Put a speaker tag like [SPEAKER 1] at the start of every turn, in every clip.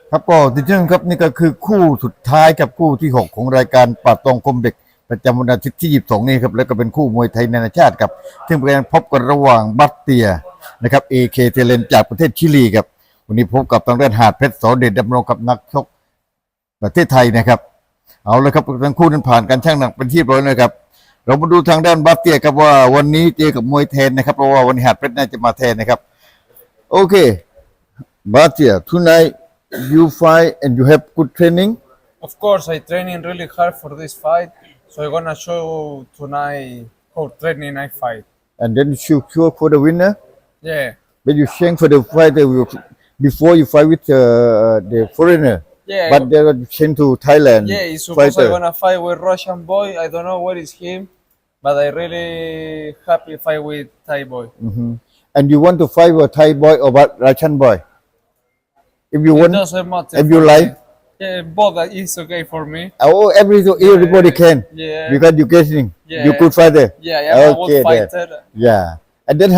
[SPEAKER 1] ครับก็ที่เช่นครับนี่ก็คือคู่สุดท้ายกับคู่ที่ 6 ของรายการปาตองคมเด็กประจำวันอาทิตย์ที่22นี้ครับแล้วก็เป็นคู่มวยไทยนานาชาติครับซึ่งเป็นการพบกันระหว่างบัตเตียนะครับ AK เทเลนจากประเทศชิลีครับวันนี้พบกับทางด้านหาดเพชรสอเดชดำรงกับนักชกประเทศไทยนะครับเอาเลยครับทั้งคู่นั้นผ่านการชั่งน้ำหนักเป็นที่เรียบร้อยนะครับเรามาดูทางด้านบัตเตียครับว่าวันนี้เจอกับมวยแทนนะครับเพราะว่าวันนี้หาดเพชรน่าจะมาแทนนะครับโอเคบัตเตีย tonight you fight and you have good training.
[SPEAKER 2] Of course, I training really hard for this fight, so I'm gonna show tonight how training I fight.
[SPEAKER 1] And then you sure for the winner.
[SPEAKER 2] Yeah,
[SPEAKER 1] But you train for the fighter before you fight with the foreigner.
[SPEAKER 2] yeah,
[SPEAKER 1] But they are train to Thailand
[SPEAKER 2] yeah. He's supposed
[SPEAKER 1] fighter.
[SPEAKER 2] I'm gonna fight with Russian boy. I don't know where is him, but I really happy fight with Thai boy.
[SPEAKER 1] And you want to fight with Thai boy or what Russian boy? If you
[SPEAKER 2] It
[SPEAKER 1] want,
[SPEAKER 2] doesn't matter.
[SPEAKER 1] if you
[SPEAKER 2] for
[SPEAKER 1] like,
[SPEAKER 2] me. Yeah, both is okay for me.
[SPEAKER 1] oh, everybody can.
[SPEAKER 2] Yeah.
[SPEAKER 1] Because you getting,
[SPEAKER 2] Yeah.
[SPEAKER 1] you good fighter.
[SPEAKER 2] Yeah, I'm a
[SPEAKER 1] Okay,
[SPEAKER 2] good
[SPEAKER 1] then.
[SPEAKER 2] fighter.
[SPEAKER 1] Yeah. And then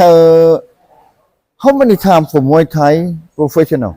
[SPEAKER 1] how many times for Muay Thai professional?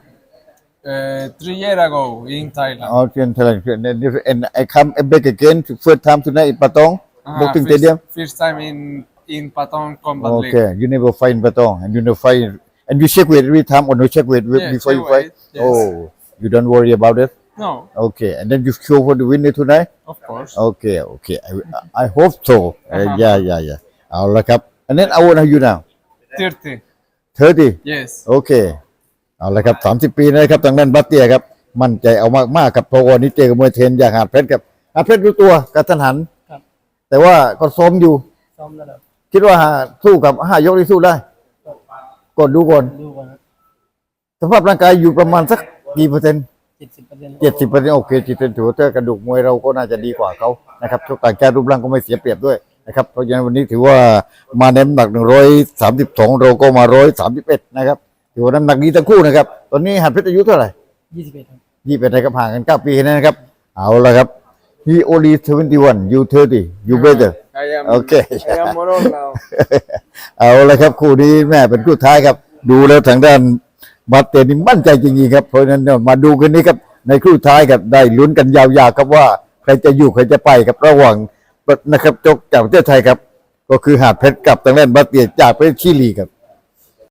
[SPEAKER 2] 3 years ago in Thailand.
[SPEAKER 1] In Thailand. And I come back again first time tonight in Patong, Boxing Stadium.
[SPEAKER 2] First time in Patong Combat League.
[SPEAKER 1] Okay, you never fight in Patong, and you never fight, and you check weight every time, or no check weight
[SPEAKER 2] Yeah,
[SPEAKER 1] before you
[SPEAKER 2] check
[SPEAKER 1] fight.
[SPEAKER 2] weight, yes.
[SPEAKER 1] Oh, you don't worry about it.
[SPEAKER 2] No,
[SPEAKER 1] Okay, and then you show for the winner tonight.
[SPEAKER 2] of course.
[SPEAKER 1] Okay, I hope so. Yeah. เอาละครับ and then how old are you now?
[SPEAKER 2] 30.
[SPEAKER 1] 30.
[SPEAKER 2] Yes.
[SPEAKER 1] Okay. เอาละครับ30 ปีนะครับทางด้านบัตเตียครับมั่นใจเอามากๆครับเพราะวันนี้เจอกับมวยเทนอย่างหาดเพชรครับหาดเพชรรู้ตัวกระทันหัน
[SPEAKER 2] ครับ
[SPEAKER 1] แต่ว่าก็ซ้อมอยู่
[SPEAKER 2] ซ้อมระดับ
[SPEAKER 1] คิดว่าสู้กับ5 ยกที่สู้ได้กดดูก่อน
[SPEAKER 2] ดูก่อน
[SPEAKER 1] สภาพร่างกายอยู่ประมาณสักกี่เปอร์เซ็นต์
[SPEAKER 2] 70%
[SPEAKER 1] 70%โอเค70%ถือว่าถ้ากระดูกมวยเราก็น่าจะดีกว่าเขานะครับชกต่างชาติรูปร่างก็ไม่เสียเปรียบด้วยนะครับเพราะฉะนั้นวันนี้ถือว่ามาในน้ำหนัก132เราก็มา131นะครับถือว่าน้ำหนักดีทั้งคู่นะครับตอนนี้หัดเพชรอายุเท่าไหร่
[SPEAKER 2] 21ครับ
[SPEAKER 1] 21นะครับห่างกัน9 ปีนะครับเอาละครับ he only 71 you 30 you better
[SPEAKER 2] I am
[SPEAKER 1] Okay.
[SPEAKER 2] I am more old now.
[SPEAKER 1] เอาละครับคู่นี้แม่เป็นคู่ท้ายครับดูแล้วทางด้านบาเตนี่มั่นใจจริงๆครับเพราะฉะนั้นมาดูกันนี้ครับในคู่ท้ายครับได้ลุ้นกันยาวๆครับว่าใครจะอยู่ใครจะไปครับระหว่างนะครับจกจากประเทศไทยครับก็คือหาดเพชรกับทางด้านบาเตียจากประเทศชิลีครับ